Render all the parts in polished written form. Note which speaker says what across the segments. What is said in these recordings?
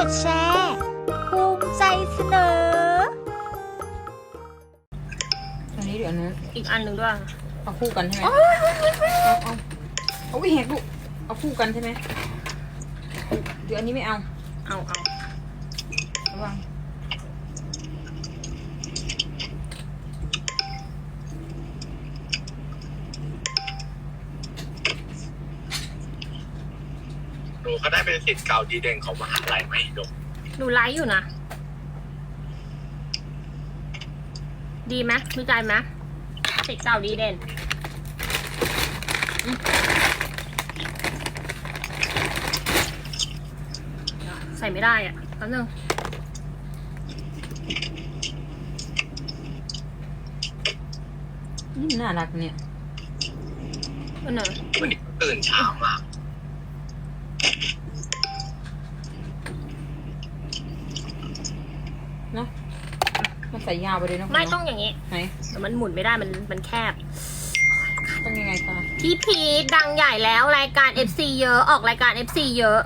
Speaker 1: ดแชร์ภูมิใจเสนอ
Speaker 2: อันนี้เดี๋ยวนะ
Speaker 3: อีกอันหนึ่งด้วย
Speaker 2: เอาคู่กันใช่ไหมเอาวิเหกลูกเอาคู่กันใช่ไหมเดี๋ยวอันนี้ไม่เอาระวัง
Speaker 4: หนูก็ได้เป็นศิษย์เก่าดีเด่นของมหาลัยไหมดก
Speaker 3: หนูไลฟ์อยู่นะดีไหมมีใจไหมศิษย์เก่าดีเด่นใส่ไม่ได้อ่ะแป๊บนึง
Speaker 2: นี่น่ารักเนี่ย
Speaker 3: วันไหน
Speaker 4: วันนี้ตื่นเช้ามาก
Speaker 2: เนาะมันใส่ยาวไปเลยเนาะ
Speaker 3: ไม่ต้องอย่างนี้
Speaker 2: ไหน
Speaker 3: แต่มันหมุนไม่ได้มันแคบ
Speaker 2: ต้องยังไงตา
Speaker 3: พี่พีทดังใหญ่แล้วรายการ FC เยอะออกรายการ FC เยอะ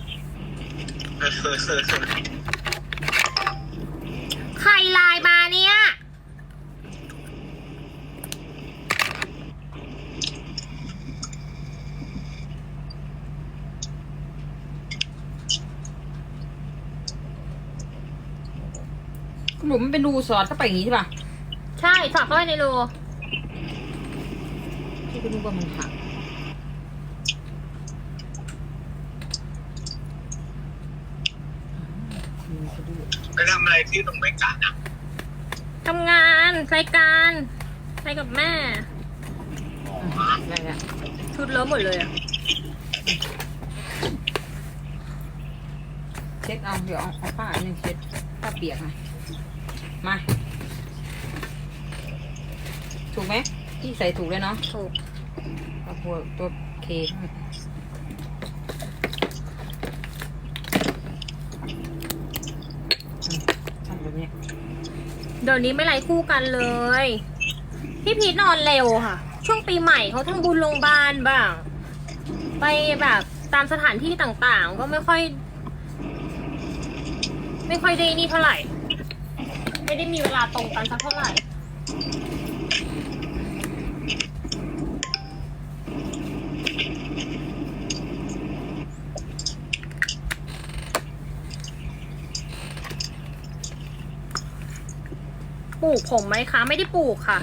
Speaker 3: ใครไลน์มาเนี่ย
Speaker 2: หลุมมันเป็นรูสอดเข้าไปอย่างนี้ใช่ป่ะ
Speaker 3: ใช่สอดเข้าไปในรู
Speaker 2: ที่ก็นึกว่ามันหัก
Speaker 4: ไปทำอะไรที่ตรงเมกานะ
Speaker 3: ทำงานรายการไปกับแม่
Speaker 2: อะไรอะ
Speaker 3: ชุดเลอะหมดเลยอะ
Speaker 2: เช็ดเอาเดี๋ยวเอาผ้าอันนึงเช็ดผ้าเปียกมาถูกไหมที่ใส่ถูกเลยเนาะ
Speaker 3: ถูก
Speaker 2: ตัวเคทำแบบนี้
Speaker 3: เดี๋ยวนี้ไม่ไล่คู่กันเลยพี่พีทนอนเร็วค่ะช่วงปีใหม่เขาทำบุญโรงพยาบาลบ้างไปแบบตามสถานที่ต่างๆก็ไม่ค่อยได้นี่เท่าไหร่ไม่ได้มีเวลาตรงกันสักเท่าไหร่ปลูกผมไหมคะไม่ได้ปลูกค่ะ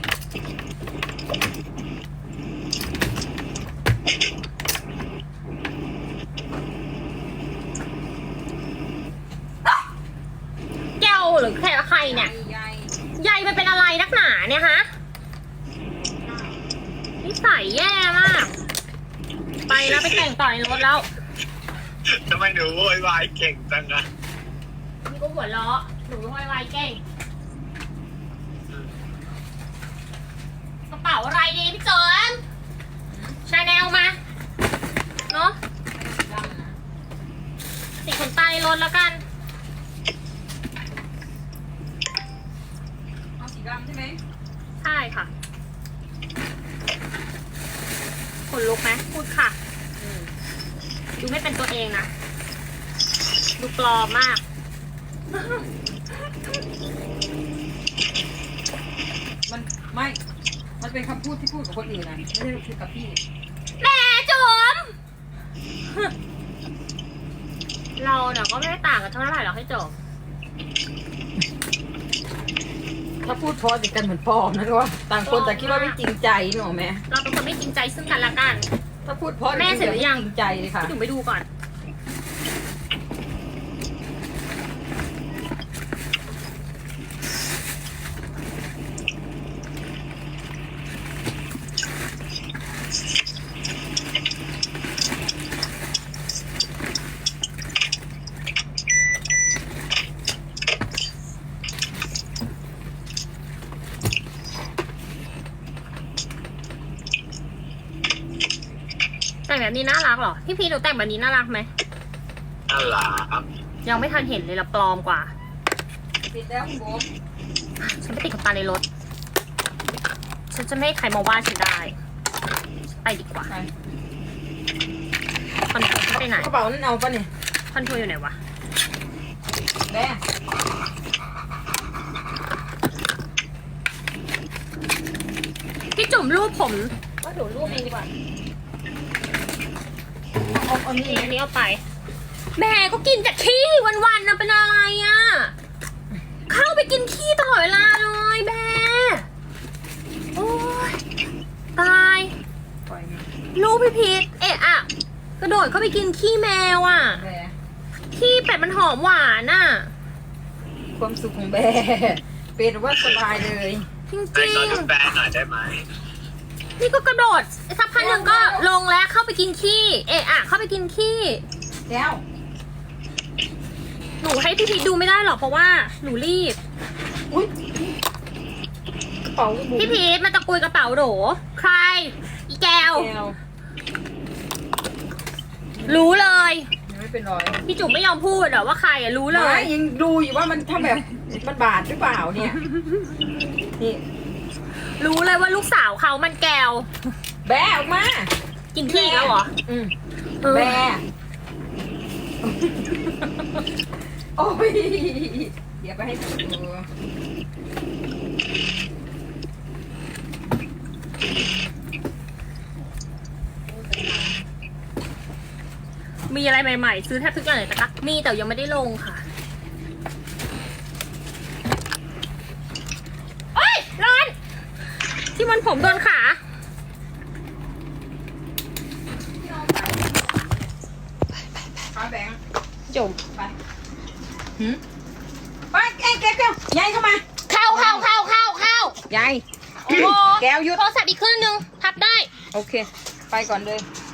Speaker 3: แก้วหรือใครเนี่ยใยมันเป็นอะไรนักหนาเนี่ยฮะนิสัยแย่มากไปแล้วไปแต่งต่อในรถแล้ว
Speaker 4: ทำไมหนูโวยวายเก่งจังอะ
Speaker 3: นี่ก็หัวเราะหนูโวยวายเก่งกระเป๋าอะไรดีพี่เจินชาแนลมาเนาะติดขนตาในรถแล้วกัน
Speaker 2: เอาสีดำใช่ไหม
Speaker 3: ใช่ค่ะขนลุกไหมพูดค่ะดูไม่เป็นตัวเองนะดูปลอมมาก
Speaker 2: มันไม่มันเป็นคำพูดที่พูดกับคนอื่นนะไม่ได้พูดกับพี่
Speaker 3: แม่จุ๋มเราเนี่ยก็ไม่ได้ต่างกันเท่าไหร่หรอกให้จบ
Speaker 2: ถ้าพูดพอติดกันเหมือนปลอมนะว่าต่างคนแต่คิดว่าไม่จริงใจหนูแม่
Speaker 3: เราเป็นคนไม่จริงใจซึ่งกันและกัน
Speaker 2: ถ้าพูดพอ
Speaker 3: แม่เสร็จหรือยัง
Speaker 2: จริงใจเลยค่ะ
Speaker 3: พี่จุ๋มไปดูก่อนแต่งแบบนี้น่ารักเหรอพี่พีหนูแต่งแบบนี้น่ารักไหม
Speaker 4: น่ารัก
Speaker 3: ยังไม่ทันเห็นเลยละปลอมกว่า
Speaker 2: ปิดแล้วคุณโบ๊ท
Speaker 3: ฉันไปติดขนตาในรถฉันจะไม่ให้ใครมาว่าฉันได้ไปดีกว่าคอนโทรลไปไหน
Speaker 2: กระเป๋านั่นเอาปะเนี่ย
Speaker 3: คอนโทรลอยู่ไหนวะ
Speaker 2: แม่
Speaker 3: พี่จุ๋มรูปผมก็เดี๋ยวรูปเองดีกว่า
Speaker 2: เอานี่
Speaker 3: อันนี้เอาไป แม่ก็กินแต่ขี้วันๆนะเป็นอะไรอ่ะ เข้าไปกินขี้ตลอดเวลาเลยแม่โอ้ยตาย
Speaker 2: ปล่อย
Speaker 3: ลูกพี่พีทเอะอะกระโดดเข้าไปกินขี้แมวอ่ะ
Speaker 2: แม่
Speaker 3: ขี้เป็ดมันหอมหวานอ่ะ
Speaker 2: ความสุขของแบเป็นว่าสบายเลย
Speaker 3: จริง
Speaker 4: ให้เขาดูแฟนหน่อยได้ไหม
Speaker 3: ๆนี่ก็กระโดดสักพักหนึ่งก็ลงแล้วเข้าไปกินขี้เอะอะเข้าไปกินขี้
Speaker 2: แล้ว
Speaker 3: หนูให้พี่พีทดูไม่ได้หรอกเพราะว่าหนูรีบ
Speaker 2: อุ้ยกระเป๋าบุ๋ม
Speaker 3: พี่พีทมาตะกุยกระเป๋าโหรใคร อีแก้ว
Speaker 2: แก้ว
Speaker 3: รู้เลย
Speaker 2: ยังไม่เป็นรอย
Speaker 3: พี่จุ๋มไม่ยอมพูดเหรอว่าใครอะรู้เลย
Speaker 2: ไม่ยังดูอยู่ว่ามันทำแบบมันบาดหรือเปล่าเนี่ยนี่
Speaker 3: รู้เลยว่าลูกสาวเขามันแก้ว
Speaker 2: แบะออกมา
Speaker 3: กินขี้อีกแล้วเหรอ
Speaker 2: อืม
Speaker 3: เออ
Speaker 2: แบะโอ้ยเดี๋ยวไปให้ดู
Speaker 3: มีอะไรใหม่ๆ ซื้อแทบทุกอย่างเลยนะคะมีแต่ยังไม่ได้ลงค่ะโอ๊ยร้อน ที่มันผมโดนขา
Speaker 2: ฟ้าแบงค์
Speaker 3: จุ๋ม
Speaker 2: ไปหืมไปแก้วยายเข้ามา
Speaker 3: เข้ายาย
Speaker 2: โอ้โหแก้วหยุด
Speaker 3: โทรศัพท์อีกเครื่องนึงพับได้
Speaker 2: โอเค ไปก่อนเลย
Speaker 3: โ